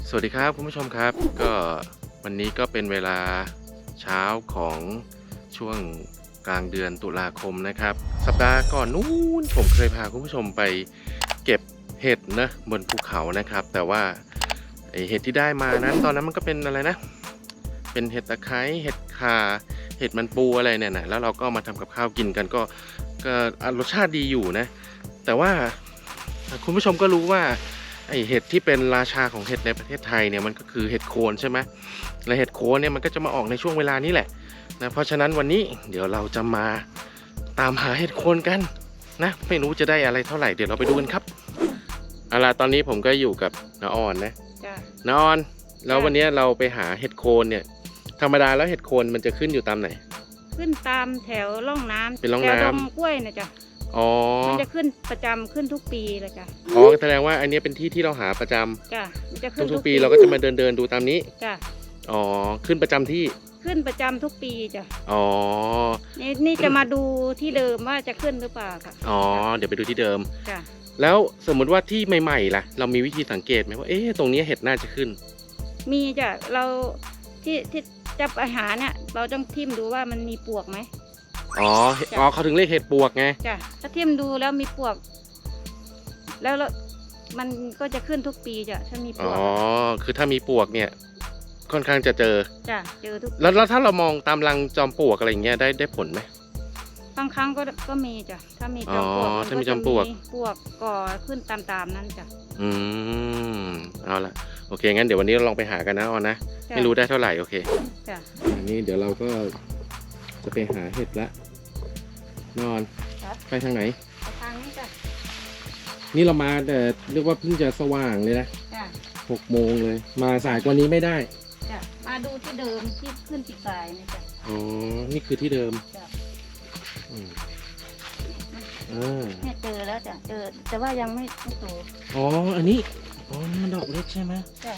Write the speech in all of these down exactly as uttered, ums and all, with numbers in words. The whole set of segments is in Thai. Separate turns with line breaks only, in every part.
สวัสดีครับคุณผู้ชมครับก็วันนี้ก็เป็นเวลาเช้าของช่วงกลางเดือนตุลาคมนะครับสัปดาห์ก่อนนู้นผมเคยพาคุณผู้ชมไปเก็บเห็ดนะบนภูเขานะครับแต่ว่าไอเห็ดที่ได้มานั้นตอนนั้นมันก็เป็นอะไรนะเป็นเห็ดตะไคร้เห็ดข่าเห็ดมันปูอะไรเนี่ยนะแล้วเราก็มาทำกับข้าวกินกันก็ก็รสชาติดีอยู่นะแต่ว่าคุณผู้ชมก็รู้ว่าไอเห็ดที่เป็นราชาของเห็ดในประเทศไทยเนี่ยมันก็คือเห็ดโคนใช่ไหมและเห็ดโคนเนี่ยมันก็จะมาออกในช่วงเวลานี้แหละนะเพราะฉะนั้นวันนี้เดี๋ยวเราจะมาตามหาเห็ดโคนกันนะไม่รู้จะได้อะไรเท่าไหร่เดี๋ยวเราไปดูกันครับเอาล่ะตอนนี้ผมก็อยู่กับน้าออนนะน้าออนแล้ววันนี้เราไปหาเห็ดโคนเนี่ยธรรมดาแล้วเห็ดโคนมันจะขึ้นอยู่ตามไหน
ขึ้นตามแถวร่องน้ำ
เป็นร่องน้ำ
แถวดงกล้วยนะจ๊ะ
อ๋อ
มันจะขึ้นประจำขึ้นทุกปีเลยจ้ะ
อ๋อแสดงว่าอันนี้เป็นที่ที่เราหาประจำ
จ้ะมันจะขึ้น
ทุกๆปีเราก็จะมาเดินเดินดูตามนี้
จ้ะ
อ๋อขึ้นประจำที่
ขึ้นประจำทุกปีจ้ะ
อ๋อ
นี่นี่จะมาดูที่เดิมว่าจะขึ้นหรือเปล่าค่ะ
อ๋อเดี๋ยวไปดูที่เดิม
จ้ะ
แล้วสมมุติว่าที่ใหม่ๆล่ะเรามีวิธีสังเกตไหมว่าเอ๊ะตรงนี้เห็ดน่าจะขึ้น
มีจ้ะเราที่ที่จับอาหารเนี่ยเราต้องทิ่มดูว่ามันมีปวกไหม
อ๋ออ๋อเขาถึงเรียกเห็ดปวกไง
จ้ะถ้าทิ่มดูแล้วมีปวกแล้วมันก็จะขึ้นทุกปีจ้ะถ้ามีปวก
อ๋อคือถ้ามีปวกเนี่ยค่อนข้างจะเจอ
จ้ะเจอทุก
แล้วแล้วถ้าเรามองตามรังจอมปลวกอะไรอย่างเงี้ยได้ได้ผลไหม
บางครั้งก็ก็มีจ้ะถ้ามีจอมปลวก
อ๋อถ้ามีจอมปลวก
ปลวกก่อขึ้นตามๆนั้นจ้ะ
อืมเอาละโอเคงั้นเดี๋ยววันนี้เราลองไปหากันนะออนนะไม่รู้ได้เท่าไหร่โอเค
จ้ะ
อันนี้เดี๋ยวเราก็จะไปหาเห็ดละนอนไปทางไหน
ไปทางนี้จ้ะ
นี่เรามาแต่เรียกว่าเพิ่งจะสว่างเลยนะ
จ้ะ
หกโมงเลยมาสายกว่านี้ไม่ได้
จ้ะมาดูที่เดิมที่ขึ้นปีกสายนี่จ้ะ
อ๋อนี่คือที่เดิม
จ้ะ
อืม
อ่าเนี่ยเจอแล้วจ้ะเจอแต่ว่ายังไม่ไม่โต
อ๋ออันนี้อ๋อนี่มันดอกเล็กใช่ไหม
จ้ะ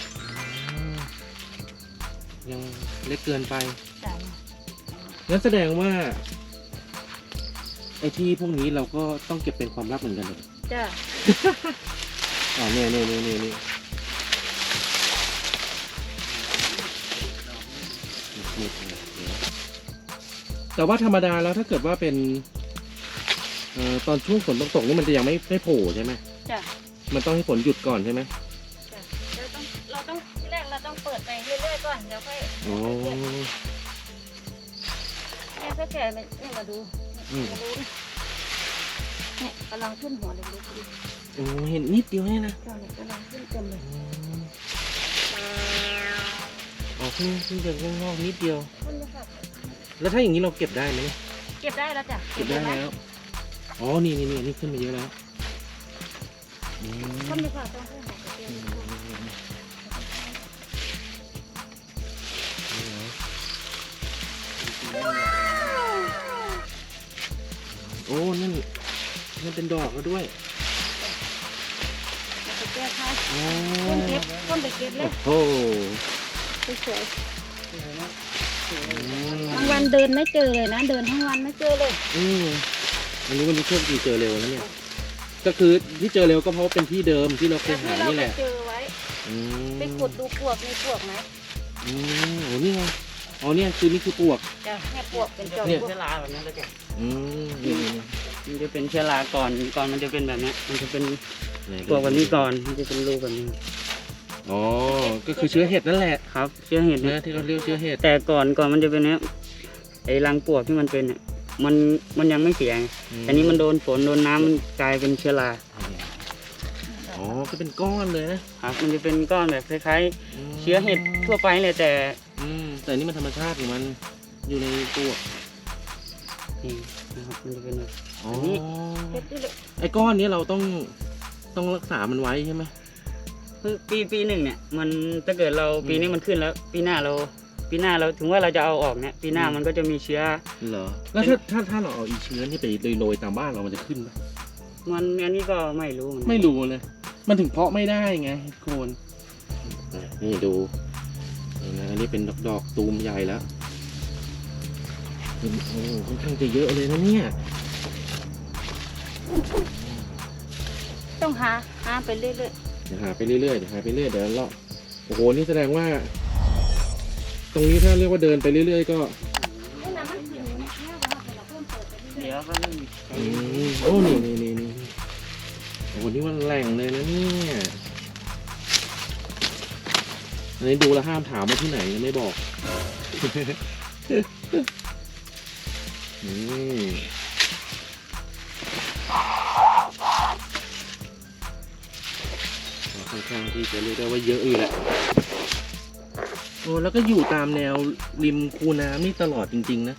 ยังเล็กเกินไป
จ้ะ
งั้นแสดงว่าไอ้ที่พวกนี้เราก็ต้องเก็บเป็นความลับเหมือนกันเลย
จ้ะ
อ๋อเนี่ยเนี่ยเนี่ยเนี่ยแต่ว่าธรรมดาแล้วถ้าเกิดว่าเป็นเอ่อตอนช่วงฝนตกๆนี่มันจะยังไม่ไม่โผล่ใช่ไหม
จ้ะ
มันต้องให้ฝนหยุดก่อนใช่ไหม
จ้ะเราต้องเราต้องที่แรกเราต้องเปิดไปเรื่อยๆก่อนเดี๋ยวค่อย
อ๋อ
เนี่ยก็แก่เนี่ยมาดูมาดูเนี่ยกำลังขึ้นหัวเล็กๆดิ
โอ้เห็นนิดเดียวเนี่ยนะ
กำลังขึ้นเต็มเลย
อ๋อขึ้นขึ้นจะงอกนิดเดียวแล้วถ้าอย่างนี้เราเก็บได้ไหม
เก็บได้แล้วจ้ะ
เก็บได้แล้วอ๋อนี่นี่นี่นี่ขึ้นมาเยอะแล้ว
ขึ้นดีกว่าต้องขึ้นหัวเต็ม
โอ้นั่นนั่นเป็นดอกแล้วด้วย
ไปเก็บค่ะต้นเก็บต้นไปเก็บเลย
โอ้
สวยทั้งวันเดินไม่เจอเลยนะเดินทั้งวันไม่เจอเลย
อืมอันนี้วันนี้โชคดีเจอเร็วนะเนี่ยก็คือที่เจอเร็วก็เพราะเป็นที่เดิมที่เราเคยหานี่แหละ
เจอไว้ไปขุดดูปวกมีปวกไหม
อืมโอ้นี่ไงอ๋อเนี่ยคือนี่คือปวก
จ้ะแค่ปวกเป็นจอม
เชื้อราแบบนี้เลยจ้ะ
อืมนี่
มันจะเป็นเชื้อราก่อนก่อนมันจะเป็นแบบนี้มันจะเป็นปวกแบบนี้ก่อนมันจะเป็นรูแบบนี้
อ๋อก็คือเชื้อเห็ดนั่นแหละ
ครับเชื้อเห็ด
นะที่เขาเรียกเชื้อเห็ด
แต่ก่อนก่อนมันจะเป็นเนี้ยไอ้รังปวกที่มันเป็นเนี่ยมันมันยังไม่เสียอันนี้มันโดนฝนโดนน้ำมันกลายเป็นเชื้อรา
อ๋อก็เป็นก้อนเลยนะครับ
มันจะเป็นก้อนแบบคล้ายๆเชื้อเห็ดทั่วไปเลยแต่
อืมแต่นี่มันธรรมชาติของมันอยู่ในตัว
นี่นะครับมันจะเป็นแบบ
อ๋อไอ้ก้อนนี้เราต้องต้องรักษามันไว้ใช่ไหม
คือปีปีหนึ่งเนี่ยมันถ้าเกิดเราปีนี้มันขึ้นแล้วปีหน้าเราปีหน้าเราถึงว่าเราจะเอาออกเนี่ยปีหน้ามันก็จะมีเชื้อ
เหรอแล้วถ้าถ้าถ้าเราเอาอีเชื้อนี่ไปโรยๆตามบ้านเรามันจะขึ้นไหม
มันอันนี้ก็ไม่รู้
ไม่รู้เลยมันถึงเพาะไม่ได้ไงโคนนี่ดูนี่นะอันนี้เป็นดอกดอกตูมใหญ่แล้วโอ้ค่อนข้างจะเยอะเลยนะเนี่ย
ต้องหาหาไปเรื่อย
ๆเดี๋ยวหาไปเรื่อยๆเดี๋ยวหาไปเรื่อยเดี๋ยวเราโอ้โหนี่แสดงว่า ตรงนี้ถ้าเรียกว่าเดินไปเรื่อยๆก็
นี่นะมันขึ้นเนี่ยว่าเราเพิ่มเปิดไปเรื่อย
เดี๋ยวก็ไม่มี
อืมโอ้นี่นี่นี่นี่โอ้โหนี่มันแหล่งเลยนะเนี่ยอันนี้ดูแล้วห้ามถามว่าที่ไหนนะไม่บอก อืมค่อนข้างที่จะเรียกได้ว่าเยอะอยู่แหละโอ้แล้วก็อยู่ตามแนวริมคูน้ำนี่ตลอดจริงๆนะ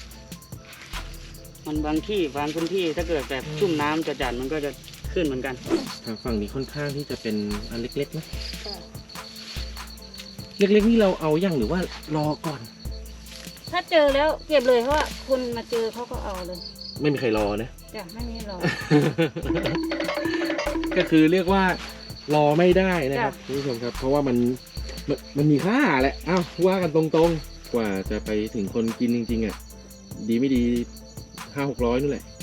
มันบางที่บางพื้นที่ถ้าเกิดแบบชุ่มน้ำจัดๆมันก็จะขึ้นเหมือนกัน
ทางฝั่งนี้ค่อนข้างที่จะเป็นอันเล็กๆนะ
ๆจ้ะ
เล็กๆนี่เราเอาอย่างหรือว่ารอก่อน
ถ้าเจอแล้วเก็บเลยเพราะว่าคนมาเจอเขาก็เอาเลย
ไม่มีใครรอนะ
จ้ะไม่มีหรอก
ก็คือเรียกว่ารอไม่ได้นะครับ
จ้ะ
คุณผู้ชมครับ เพราะว่ามันมันมันมีค่าแหละอ้าวว่ากันตรงๆ กว่าจะไปถึงคนกินจริงๆอ่ะดีไม่ดีห้าหกร้อยนู่นแหละ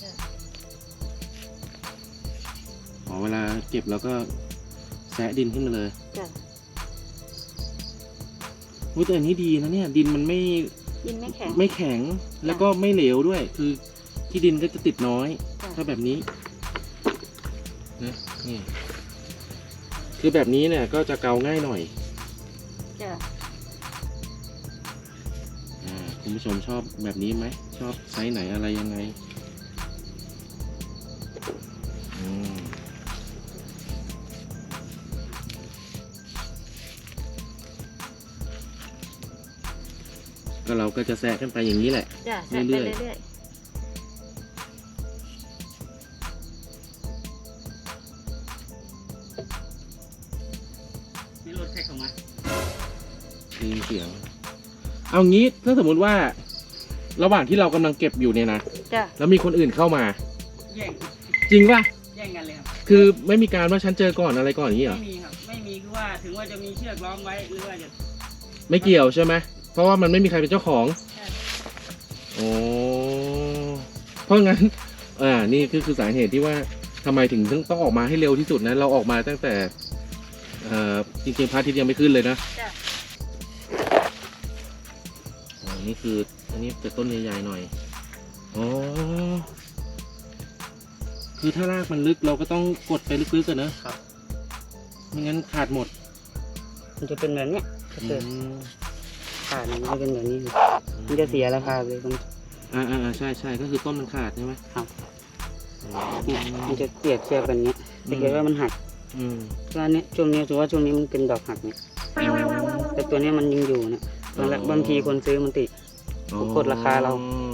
อ๋อเวลาเก็บแล้วก็แซะดินขึ้นมาเลย
จ้ะ
อุ้ยแต่อันนี้ดีนะเนี่ย ดินมันไม่
ดินไม่แข็ง
ไม่แข็งแล้วก็ไม่เหลวด้วย คือที่ดินก็จะติดน้อย
จ้ะ
ถ้าแบบนี้นะนี่คือแบบนี้เนี่ยก็จะเกาง่ายหน่อย
จ้ะ
อ่าคุณผู้ชมชอบแบบนี้ไหมชอบไซส์ไหนอะไรยังไงอืมก็เราก็จะแซะกันไปอย่างนี้แหละ
จ้ะแซะไป
เรื่อยๆ
เรื่อย
นี่รถแท็กออกมา
ได้ยินเสียง เอางี้ถ้าสมมุติว่า ระหว่างที่เรากำลังเก็บอยู่เนี่ยนะ
ๆจ้ะ
แล้วมีคนอื่นเข้ามา
แย่ง
จริงป่ะ
แย่งกันเลยครับ
คือไม่มีการว่าฉันเจอก่อนอะไรก่อนอย่างนี้เหรอ
ไม่มีครับไม่มีคือว่าถึงว่าจะมีเชือกล้อมไว้หรือว่าจะ
ไม่เกี่ยวใช่ไหมเพราะว่ามันไม่มีใครเป็นเจ้าของ
ใช่
โอ้เพราะงั้น อ่า นี่คือคือสาเหตุที่ว่าทำไมถึงต้องออกมาให้เร็วที่สุดนะ เราออกมาตั้งแต่เอ่อจริงๆพระอาทิตย์ยังไม่ขึ้นเลยนะ
จ้ะ
อ๋อนี่คือ อันนี้จะต้นใหญ่ๆหน่อย อ๋อ คือถ้ารากมันลึกเราก็ต้องกดไปลึกๆกันนะครับ ไม่งั้นขาดหมด
มันจะเป็นแบบเนี้ยถ้า
อื
เกิด
ม
ขาดมันจะเป็นแบบนี้มันจะเสียราคาเลยตรง
อ่าอ่าใช่ใช่ก็คือต้นมันขาดใช่ไหม
ครับ
อืม
เนี่ยมันจะเปรียบเทียบกันเนี้ยถ้าเกิดว่ามันหัก
อืม
ก็อันเนี้ยช่วงเนี้ยถือว่าช่วงนี้มันเป็นดอกหักเนี่ยแต่ตัวเนี้ยมันยังอยู่เนี่ยบางละบางทีคนซื้อมันติด กดราคาเรา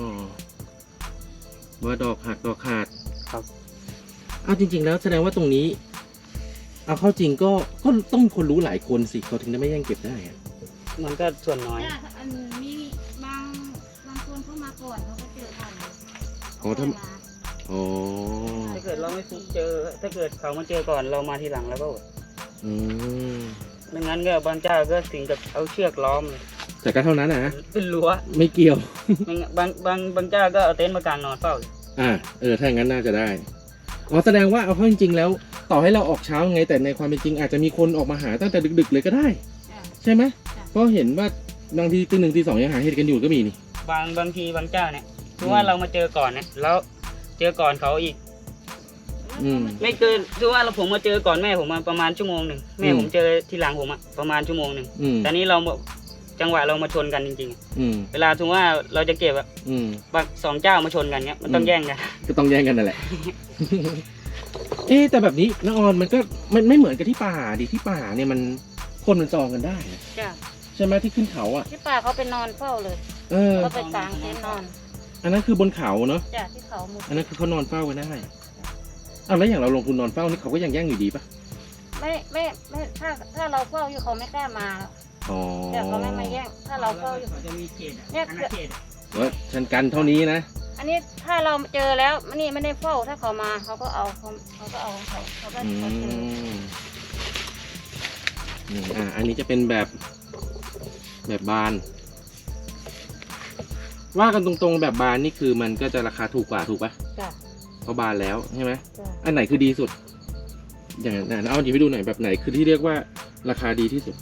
ว่าดอกหักดอกขาด
ครับ
อ้าวจริง ๆ แล้วแสดงว่าตรงนี้ เอาเข้าจริงก็ก็ต้องมีคนรู้หลายคนสิเขาถึงได้ไม่แย่งเก็บได้อะ
มันก็ส่วนน้อย
จ้ะอันมีบางบางคนเข้ามาก่อนเขาก็เจอก่อนเลย
อ๋อถ้า
เขมา
อ๋อ
ถ้าเกิดเราไม่ฟุกเจอ ถ้าเกิดเขามาเจอก่อนเรามาทีหลังแล้วก็อด
อืม
ไม่งั้นก็บางเจ้าก็ถึงกับเอาเชือกล้อมเลย
แต่ก็เท่านั้นนะ
เป็นรั้ว
ไม่เกี่ยว
ไม่งั้นบางบางบางเจ้าก็เอาเต็นท์มากางนอนเฝ้าเลย
อ่าเออถ้าอย่างนั้นน่าจะได้อ๋อแสดงว่าเอาเข้าจริงๆแล้ว ต่อให้เราออกเช้าไงแต่ในความเป็นจริงอาจจะมีคนออกมาหาตั้งแต่ดึก ๆ เลยก็ได้
จ้ะ
ใช่ไหม
จ้ะ
เพราะเห็นว่าบางทีตีหนึ่งตีสองยังหาเห็ดกันอยู่ก็มีนี่
บางบางทีบางเจ้าเนี่ยคือว่าเรามาเจอก่อนเนี่ยแล้วเจอก่อนเขาอีก
อืม
ไม่เกินคือว่าเราผมมาเจอก่อนแม่ผมมาประมาณชั่วโมงหนึ่งแม่
อืม
ผมเจอทีหลังผมอะประมาณชั่วโมงหนึ่ง
อืม
แต่นี้เราจังหวะเรามาชนกันจริงๆอะ
อืม
เวลาสมมติว่าเราจะเก็บอะ
อืม
บางสองเจ้ามาชนกันเนี้ยมันต้อง
อืม
แย่งกัน
ก็ต้องแย่งกันนั่นแหละ เอ๊ะแต่แบบนี้น้าออนมันก็มันไม่เหมือนกับที่ป่าดิที่ป่าเนี่ยมันคนมันจองกันได้นะ
จ้ะ
ใช่ไหมที่ขึ้นเขาอ่ะ
ที่ป่าเขาไปนอนเฝ้าเลย
เออ
เขาไปกางเต็นท์นอน
อันนั้นคือบนเขาเนาะ
จ้ะที่เขาหมุด
อันนั้นคือเขานอนเฝ้ากันได้อ้าวแล้วอย่างเราลงทุนนอนเฝ้านี่เขาก็ยังแย่งอยู่ดีปะ
ไม่ไม่ไม่ถ้าถ้าเราเฝ้าอยู่เขาไม่กล้ามาแล้ว
อ๋อ
แต่เขาไม่มาแย่งถ้าเราเฝ้าอยู่
เขาจะมีเขต
เนี่ย
อาณาเขต
ว่าฉันกันเท่านี้นะ
อันนี้ถ้าเราเจอแล้วมันนี่ไม่ได้เฝ้าถ้าเขามาเขาก็เอาเขาเขาก็เอาของเขาเขาก็
อื
เขาเจอ
มอืมอ่าอันนี้จะเป็นแบบแบบบาน ว่ากันตรงๆแบบบานนี่คือมันก็จะราคาถูกกว่าถูกปะ
จ้ะ
เพราะบานแล้วใช่ไหม
จ้ะ
อันไหนคือดีสุด อย่างนั้นเอาหยิบไปดูหน่อยแบบไหนคือที่เรียกว่าราคาดีที่สุด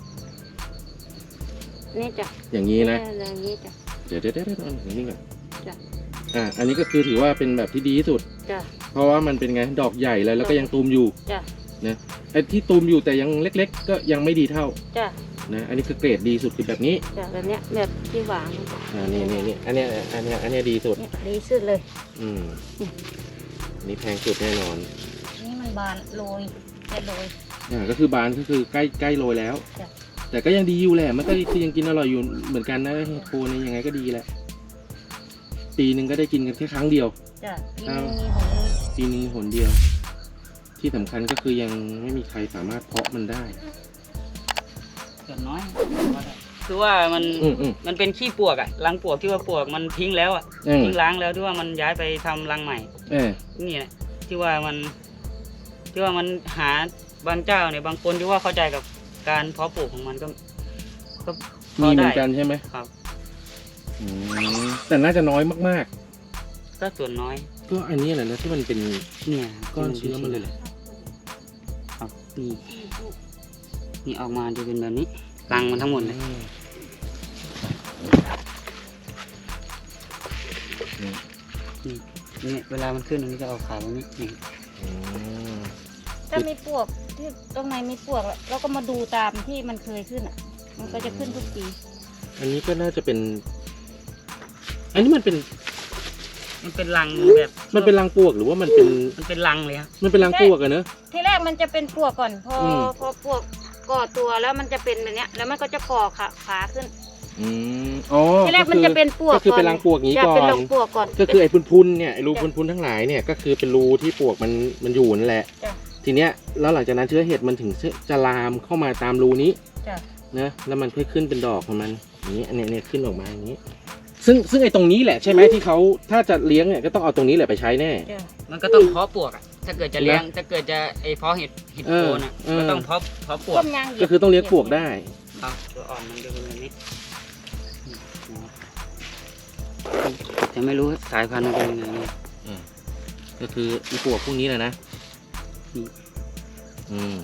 นี่จ้ะ
อย่างนี้นะ
เอออย่างนี้จ้ะ
เดี๋ยวเดี๋ยวเดี๋ยวเดี๋ยวอย่างนี้ก่อน
จ้ะ
อ่า อันนี้ก็คือถือว่าเป็นแบบที่ดีที่สุด
จ้ะ
เพราะว่ามันเป็นไง ดอกใหญ่แล้วแล้วก็ยังตูมอยู่
จ้ะ
นะไอ้ที่ตูมอยู่แต่ยังเล็กๆ ก็ยังไม่ดีเท่า
จ้ะ
นะ อันนี้คือเกรดดีสุดคือแบบนี้
จ้ะแบบเนี้ยแบบที่หวาน
อ่า นี่นี่นี่อันเนี้ยอันเนี้ยอันเนี้ยดีสุด
เนี่ยดีสุดเลย
อืมอันนี้แพงสุดแน่นอน
นี่มันบานโรยแค่โรย
อ่า ก็คือบานก็คือใกล้ใกล้โรยแล้ว
จ้ะ
แต่ก็ยังดีอยู่แหละ มันก็คือยังกินอร่อยอยู่เหมือนกันนะเห็ดโคนเนี่ยยังไงก็ดีแหละ ปีหนึ่งก็ได้กินกันแค่ครั้งเดียว
จ้ะปี
เอา
นี้มีหนนึง
ปีหนึงหนเดียว ที่สำคัญก็คือยังไม่มีใครสามารถเพาะมันได้
ส่วนน้อยคือว่ามัน
อืมอืม
มันเป็นขี้ปวกอะรังปวกที่ว่าปวกมันทิ้งแล้วอะ
อืม
ทิ้งล้างแล้วที่ว่ามันย้ายไปทำรังใหม่
เออ
นี่แหละที่ว่ามันที่ว่ามันหาบางเจ้าเนี่ยบางคนที่ว่าเข้าใจกับการเพาะปลูกของมันก็ก็พ
มี
อ
เหมื
ได้
อนกันใช่ไหม
ครับ
อืมแต่น่าจะน้อยมาก
ก็ส่วนน้อย
ๆ ก็อันนี้แหละนะที่มันเป็น
เนี่ย
ก้อนเชื้อมันเลยแหละ
ครับนี่นี่ออกมาจะเป็นแบบนี้รังมันทั้งหมดเลย
อืม
นี่เวลามันขึ้นมันจะออกขาวแบบนี้นี่
อืม
ถ้ามีปลวกที่ตรงไหนมีปลวกเราก็มาดูตามที่มันเคยขึ้นอ่ะ มันก็จะขึ้นทุกปี
อันนี้ก็น่าจะเป็น อันนี้มันเป็น
มันเป็นรังแบบ
มันเป็นรังปลวกหรือว่ามันเป็น
มันเป็นรังเลยครับ
มันเป็นรังปลวกอะเนอะ
ทีแรกมันจะเป็นปลวกก่อน พออ
ม
พอปลวกก่อตัวแล้วมันจะเป็นแบบเนี้ย แล้วมันก็จะก่อขาขาขึ้น
อืมอ๋อ
ทีแรกมันจะเป็นปลวก
ก็คือเป็นรังปลวกนี้
จะ
ก่อ
เป็น
น
รังปลวกก่อน
ก็คือไอ้พุนๆเนี่ยไอ้รูพุนๆทั้งหลายเนี่ยก็คือเป็นรูที่ปลวกมันมันอยู่นั่นแหละ
จ้ะ
ทีเนี้ยแล้วหลังจากนั้นเชื้อเห็ดมันถึงจะลามเข้ามาตามรูนี้
จ้ะ
นะแล้วมันค่อยขึ้นเป็นดอกของมันอย่างนี้อันเนี้ยเนี่ยขึ้นออกมาอย่างนี้ ซึ่งซึ่งไอ้ตรงนี้แหละใช่ไหมที่เขาถ้าจะเลี้ยงเนี่ยก็ต้องเอาตรงนี้แหละไปใช้แน่
จ้ะ
มันก็ต้องเพาะปลวกอะถ้าเกิดจะเลี้ยงถ้าเกิดจะไอเพาะเห็ดเห็ดโคนอะ
เออ
ก็ต้องเพาะเพาะปลว
ต้
ก
มยางเหยีย
ก็
บ
คือต้องเลี้ยงปลวกได้
ครับตัวอ่อนมันจะเป็นแบบนี้จะไม่รู้สายพันธุ์มันเป็นยังไงเนี่ย
ก็คืออีปลวกพวกนี้แหละนะ
อืม
อืม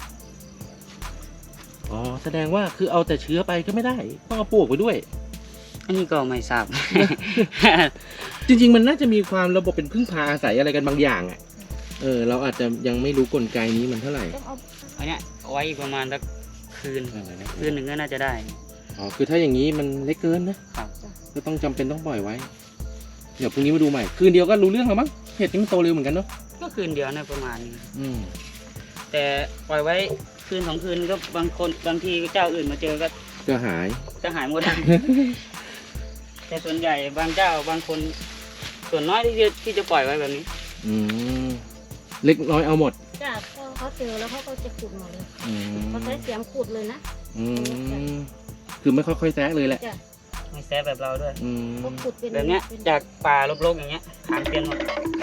อ๋อแสดงว่าคือเอาแต่เชื้อไปก็ไม่ได้ต้องเอาปลวกไปด้วย
อันนี้ก็ไม่ทราบ
จริงๆมันน่าจะมีความระบบเป็นพึ่งพาอาศัยอะไรกันบางอย่างอ่ะ เออ เราอาจจะยังไม่รู้กลไกนี้มันเท่าไหร่
ต้องเอา
อันเนี้ยเอาไว้อีกประมาณสักคืน
เออนะ
คืนหนึ่งก็น่าจะได้
อ๋อ คือถ้าอย่างนี้มันเล็กเกินนะครับ ก็ต้องจำเป็นต้องปล่อยไว้ เดี๋ยวพรุ่งนี้มาดูใหม่ คืนเดียวก็รู้เรื่องแล้วมั้ง เห็ดนี่มันโตเร็วเหมือนกันเนาะ
ก็คืนเดียวนะประมาณนี้
อืม
แต่ปล่อยไว้คืนสองคืนก็บางคนบางทีเจ้าอื่นมาเจอก็
ก็หาย
จะหายหมด แต่ส่วนใหญ่บางเจ้าบางคน ส่วนน้อยที่จะที่จะปล่อยไว้แบบนี้
อืม เล็กน้อยเอาหมด
จ้ะพอเขาเจอแล้วเขาก็จะขุดหมดเลย
อืม
เขาใช้เสียมขุดเลยนะ
อืม คือไม่ค่อยๆแซะเลยแหละ
จ้ะ
ไม่แซ่แบบเราด้วย
อืม
เขาขุดเป็น
แบบเนี้ย
ป็
จากป่ารกๆอย่างเงี้ยหางเปลี่ยนหมด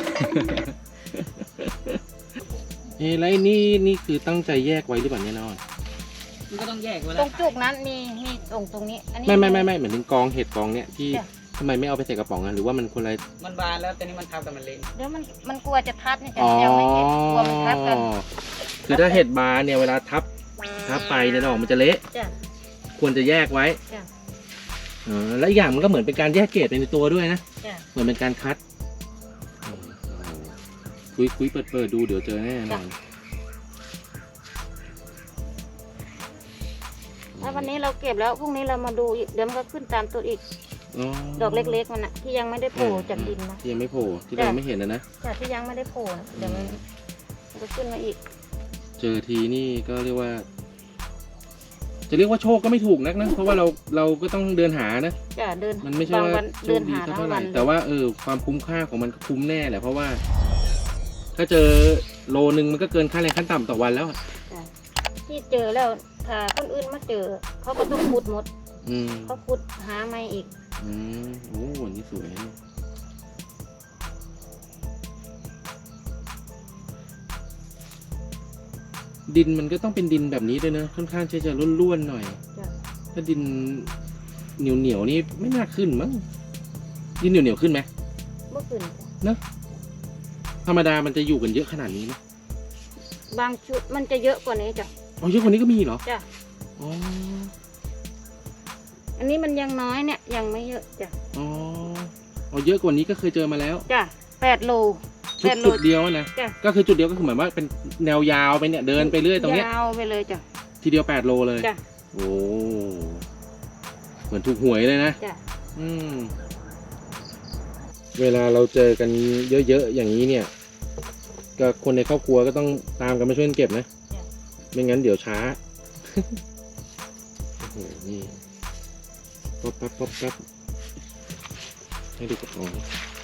เอ้แล้วไอ้นี่นี่คือตั้งใจแยกไว้หรือเปล่าเนี่ยน้อย
มันก็ต้องแยกไว้
ต
แล้
ร
ว
งจุกนั้นมีมีตรงตรงนี้ อันนี้
ไม่ไม่ไม่ไม่เหมือนถึงกองเห็ดกองเนี่ยที่
จ้ะ
ทำไมไม่เอาไปใส่กระป๋องอ่ะหรือว่ามันคนละ
มันบานแล้วแต่นี่มันทับกับมันเล็ง
เดี๋ยวมันมันกลัวจะทับนี่จ้ะ
อ๋อ
ยังไม่เก็บกลัวมันทับกัน
คือถ้าเห็ดบานเนี่ยเวลาทับทับไปเนี่ยดอกมันจะเละ
จ้ะ
ควรจะแยกไว้
จ้ะ
อ๋อแล้วอีกอย่างมันก็เหมือนเป็นการแยกเกรดไปในตัวด้วยนะ
จ้ะ
เหมือนเป็นการคัดคุยคุยเปิดเปิดดูเดี๋ยวเจอแน่นอน
ถ้าวันนี้เราเก็บแล้วพรุ่งนี้เรามาดูอีกเดี๋ยวมันก็ขึ้นตามตัวอีก ดอกเล็กๆมันอะที่ยังไม่ได้โผล่จากดินนะ
ที่ยังไม่โผล่ที่เรา
จ้ะ
ไม่เห็นนะนะ
จ้ะที่ยังไม่ได้โผล่นะเดี๋ยวมันมันก็ขึ้นมาอีก
เจอทีนี่ก็เรียกว่า จะเรียกว่าโชคก็ไม่ถูกนักนะ เพราะว่าเราเราก็ต้องเดินหานะ
จ้ะเดิน
มันไม่ใช่
บาง
ว่า
วัน
โช
เดิ
คน ดี
หา
สัก
ทั้
เท่าง ไห
วั
ร่
น
แต่ว่าเออความคุ้มค่าของมันก็คุ้มแน่แหละเพราะว่า ถ้าเจอโลนึงมันก็เกินค่าแรงขั้นต่ำต่อวันแล้วอะ
จ้ะที่เจอแล้วถ้าคนอื่นมาเจอเขาก็ต้องขุดหมด
อืม
เขาขุดหาไม่อีก
อืมโอ้อันนี้สวยนะดินมันก็ต้องเป็นดินแบบนี้ด้วยนะค่อนข้างที่จะร่วนๆหน่อย
จ้ะ
ถ้าดินเหนียวเหนียวๆนี่ไม่น่าขึ้นมั้งดินเหนียวเหนียวๆขึ้นไหม
เมื่อคืน
ธรรมดามันจะอยู่กันเยอะขนาดนี้ไหม
บางชุดมันจะเยอะกว่านี้จ้ะ
อ๋อเยอะกว่านี้ก็มีเหรอ
จ้ะ
อ๋อ
อันนี้มันยังน้อยเนี่ยยังไม่เยอะจ้ะ
อ๋ออ๋อเยอะกว่านี้ก็เคยเจอมาแล้ว
จ้ะแปดโล
จุ
แป
ด
ดโล
จุดเดียวนะ
จ้ะ
ก็คือจุดเดียวก็คือเหมือนว่าเป็นแนวยาวไปเนี่ยเดินไปเรื่อยตรงเนี้ย
ยาวไปเลยจ้ะ
ทีเดียวแปดโลเลย
จ้ะ
โอ้เหมือนถูกหวยเลยนะ
จ้ะ
อืมเวลาเราเจอกันเยอะๆอย่างนี้เนี่ยก็คนในครอบครัวก็ต้องตามกันมาช่วยกันเก็บนะ
จ้ะ
ไม่งั้นเดี๋ยวช้า โอ้โหนี่ป๊อปปั๊บป๊อปปั๊บให้ดูกระป๋อง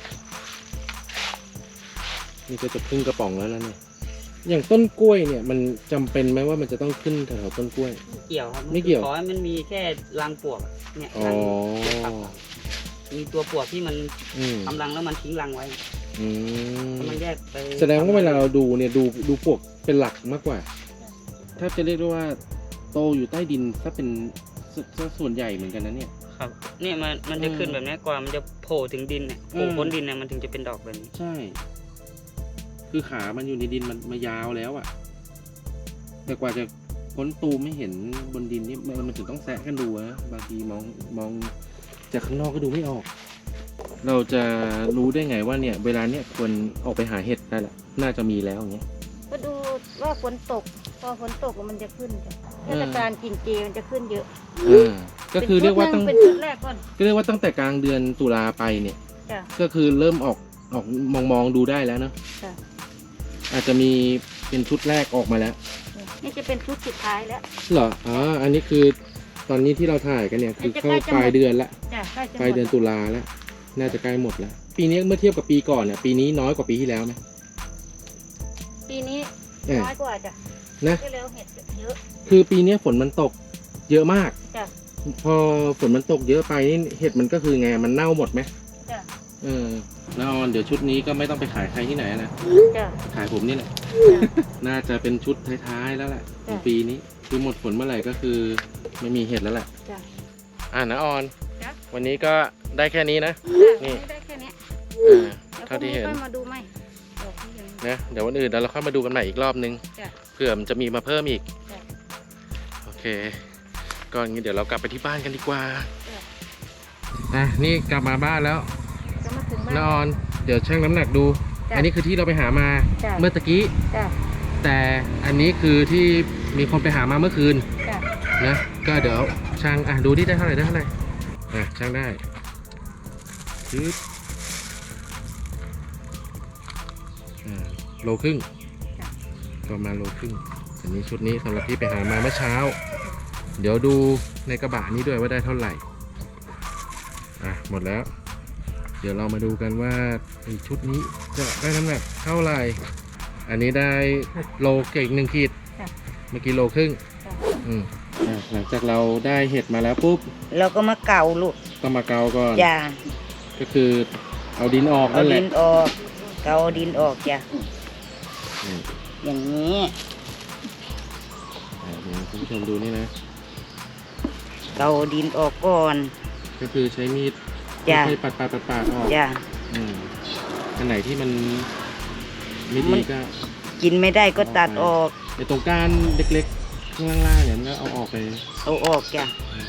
นี่ก็จะครึ่งกระป๋องแล้วแล้วเนี่ยอย่างต้นกล้วยเนี่ยมันจำเป็นไหมว่ามันจะต้องขึ้นแถวๆต้นกล้วย
ไม่เกี่ยวครับ
ไม่เกี่ยว
ขอให้มันมีแค่รังปลวกเนี่ย
อ๋อ
รังมีตัวปลวกที่มัน
อืม
ทำรังแล้วมันทิ้งรังไว้
อืม
ถ้ามันแยกไป
แสดงว่าเวลาเราดูเนี่ยดูดูปลวกเป็นหลักมากกว่าแทบจะเรียกได้ว่าโตอยู่ใต้ดินถ้าเป็นสสส่วนใหญ่เหมือนกันนะเนี่ย
ครับเนี่ยมันมันจะ
อืม
ขึ้นแบบนี้กว่ามันจะโผล่ถึงดินเนี่ยโผล่
อืม
พ้นดินเนี่ยมันถึงจะเป็นดอกแบบนี้
ใช่ คือขามันอยู่ในดินมันมายาวแล้วอะแต่กว่าจะพ้นตูมไม่เห็นบนดินนี่มันมันถึงต้องแซะกันดูนะบางทีมองมองจากข้างนอกก็ดูไม่ออก เราจะรู้ได้ไงว่าเนี่ย เวลาเนี่ยควรออกไปหาเห็ดได้แหละน่าจะมีแล้วอย่างเงี้ย
ก็ดูว่าฝนตก พอฝนตกมันจะขึ้นจ้ะ
เอ
เท
อ
ศกาลกินเจมันจะขึ้นเยอะ
อ่าก็คือเรียกว่าตั้ง
เป็นชุดแรกก่อน
ก็เรียกว่าตั้งแต่กลางเดือนตุลาไปเนี่ย
จ้ะ
ก็คือเริ่มออกออกมองมองดูได้แล้วเนอะ
จ้ะ
อาจจะมีเป็นชุดแรกออกมาแล้ว
นี่จะเป็นชุดสุดท้ายแล้ว
เหรออ๋ออันนี้คือตอนนี้ที่เราถ่ายกันเนี่ยคือเข้าปลายเดือนละ
จ้ะใกล้จะหม
ปลายเดือน
ด
ตุลาแล้ว น่าจะใกล้หมดแล้ว ปีนี้เมื่อเทียบกับปีก่อนเนี่ยปีนี้น้อยกว่าปีที่แล้วไหม
ปีนี้
เออ
น้อยกว่าจ้ะ
นะ
ที่แล้วเห็ดเยอะ
คือปีนี้ฝนมันตกเยอะมาก
จ้ะ
พอฝนมันตกเยอะไปนี่เห็ดมันก็คือไงมันเน่าหมดไหม
จ้ะ
เออแล้วออนเดี๋ยวชุดนี้ก็ไม่ต้องไปขายใครที่ไหนนะ
จ้ะ
ขายผมนี่แหละ
จ้ะ
น่าจะเป็นชุดท้ายๆแล้วแหละข
จ้ะ
องปีนี้คือหมดฝนเมื่อไหร่ก็คือไม่มีเห็ดแล้วแหละ
จ้ะ
อ่านะออน
จ้ะ
วันนี้ก็ได้แค่นี้นะ นี่
นี่ได้แค่เนี้ย
อ่า
แล้ว
เท่าที่เห็น
ค่อยมาดูไหมดอกที่ยัง
นะเดี๋ยววันอื่นเดี๋ยวเราค่อยมาดูกันใหม่อีกรอบนึง
จ้ะ
เผื่อมันจะมีมาเพิ่มอีก
จ้ะ
โอเคก็อย่างนี้เดี๋ยวเรากลับไปที่บ้านกันดีกว่า
จ้ะ
อ่ะนี่กลับมาบ้านแล้ว
จะมาถึงบ้า
นะอน อนเดี๋ยวชั่งน้ำหนักดู
จ้ะ
อันนี้คือที่เราไปหามา
จ้ะ
เมื่อตะกี้
จ้ะ
แต่อันนี้คือที่มีคนไปหามาเมื่อคืน
จ้ะ
นะก็เดี๋ยวช่างอ่ะดูที่ได้เท่าไหร่ได้เท่าไหร่อ่ะช่างได้ปึ๊บอ่าโลครึ่งประมาณโลครึ่งอันนี้ชุดนี้สำหรับที่ไปหามาเมื่อเช้า เดี๋ยวดูในกระบะนี้ด้วยว่าได้เท่าไหร่อ่ะหมดแล้ว เดี๋ยวเรามาดูกันว่าไอ้ชุดนี้จะได้น้ำหนักเท่าไหร่ อันนี้ได้โลเก่งหนึ่งขีด
จ้ะ
เมื่อกี้โลครึ่ง
จ้ะ
อืมอ่ะหลังจากเราได้เห็ดมาแล้วปุ๊บ
เราก็มาเก่าลูก
ก็มาเกาก่อน
จ้า
ก็คือเอาดินออก
เอา
นั่นแห
ดิ
ละ
นออก เกาดินออกจ้ะ
อืม
อย่างนี้
อ่ะเดี๋ยวคุณผู้ชมดูนี่นะ
เกาดินออกก่อน
ก็คือใช้มีด
จ้ะ
ค่อยๆปัดปัดปัดปัดออก
จ้ะ
อืมอันไหนที่มันไม่
มั
ดี
น
ก็
กินไม่ได้ก็ตัดออก
ไอ้ตรงก้านเล็กๆข้างล่างๆเนี่ยมันก็เอาออกไป
เอาออกจ้ะ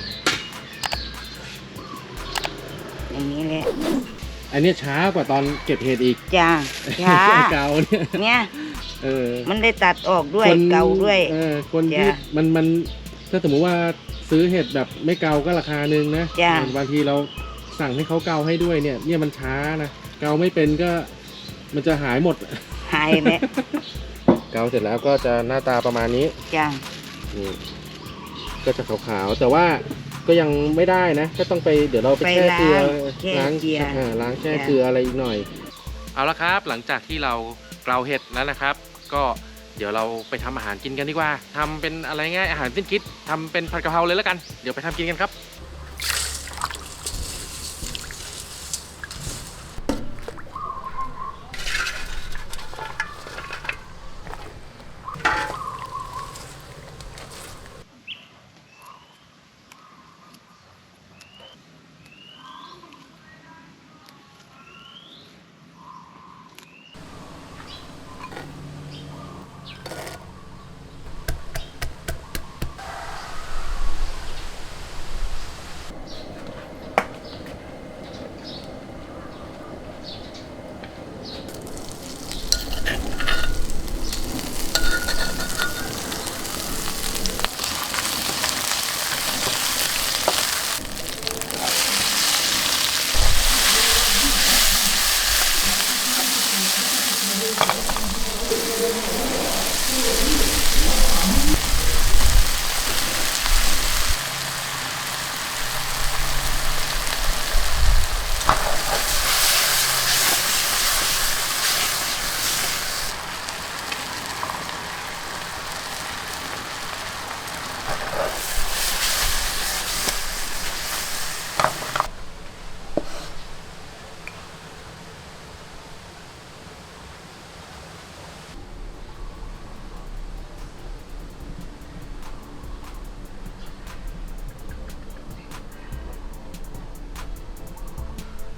อย่างนี้แหละ
อันเนี้ยช้ากว่าตอนเก็บเห็ดอีก
จ้าช้า
ไอ้เกาเนี่ย
เนี่ย
เออ
มันได้ตัดออกด้วย
คน
เกาด้วย
เออคนที่
จ้ะ
มันมันถ้าสมมติว่าซื้อเห็ดแบบไม่เกาก็ราคาหนึ่งนะ
จ้ะ
บางทีเราสั่งให้เขาเกาให้ด้วยเนี่ยเนี่ยมันช้านะเกาไม่เป็นก็มันจะหายหมด
หายแล้ว
เกาเสร็จแล้วก็จะหน้าตาประมาณนี้
จ้า
นี่ก็จะขาวๆแต่ว่าก็ยังไม่ได้นะ ก็ต้องไปเดี๋ยวเราไป
ไป
แช่เกลือ
ล้างแช่เกลือ
อ่าล้างแช่
จ้ะ
เกลืออะไรอีกหน่อย เอาละครับ หลังจากที่เราเกลาเห็ดแล้วนะครับ ก็เดี๋ยวเราไปทำอาหารกินกันดีกว่าทำเป็นอะไรง่ายอาหารสิ้นคิดทำเป็นผัดกะเพราเลยแล้วกันเดี๋ยวไปทำกินกันครับ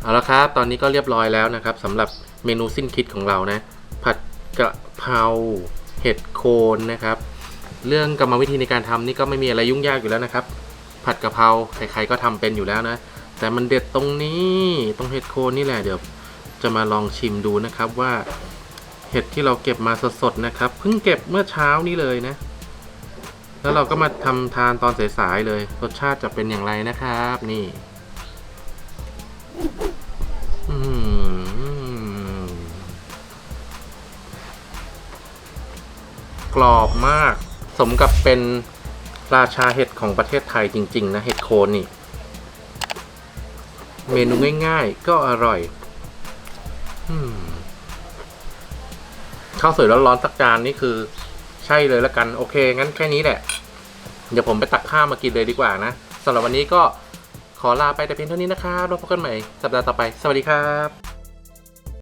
เอาละครับตอนนี้ก็เรียบร้อยแล้วนะครับสำหรับเมนูสิ้นคิดของเรานะผัดกะเพราเห็ดโคนนะครับเรื่องกรรมวิธีในการทำนี่ก็ไม่มีอะไรยุ่งยากอยู่แล้วนะครับผัดกะเพราใครๆก็ทำเป็นอยู่แล้วนะแต่มันเด็ดตรงนี้ตรงเห็ดโคนนี่แหละเดี๋ยวจะมาลองชิมดูนะครับว่าเห็ดที่เราเก็บมาสดๆนะครับเพิ่งเก็บเมื่อเช้านี้เลยนะแล้วเราก็มาทำทานตอนสายๆเลยรสชาติจะเป็นอย่างไรนะครับนี่อืมกรอบมากสมกับเป็นราชาเห็ดของประเทศไทยจริงๆนะเห็ดโคนนี่เมนูง่ายๆก็อร่อยอืมข้าวสวยร้อนๆสักจานนี่คือใช่เลยละกันโอเคงั้นแค่นี้แหละเดี๋ยวผมไปตักข้าวมากินเลยดีกว่านะสำหรับวันนี้ก็ขอลาไปแต่เพียงเท่านี้นะครับแล้วพบกันใหม่สัปดาห์ต่อไปสวัสดีครับ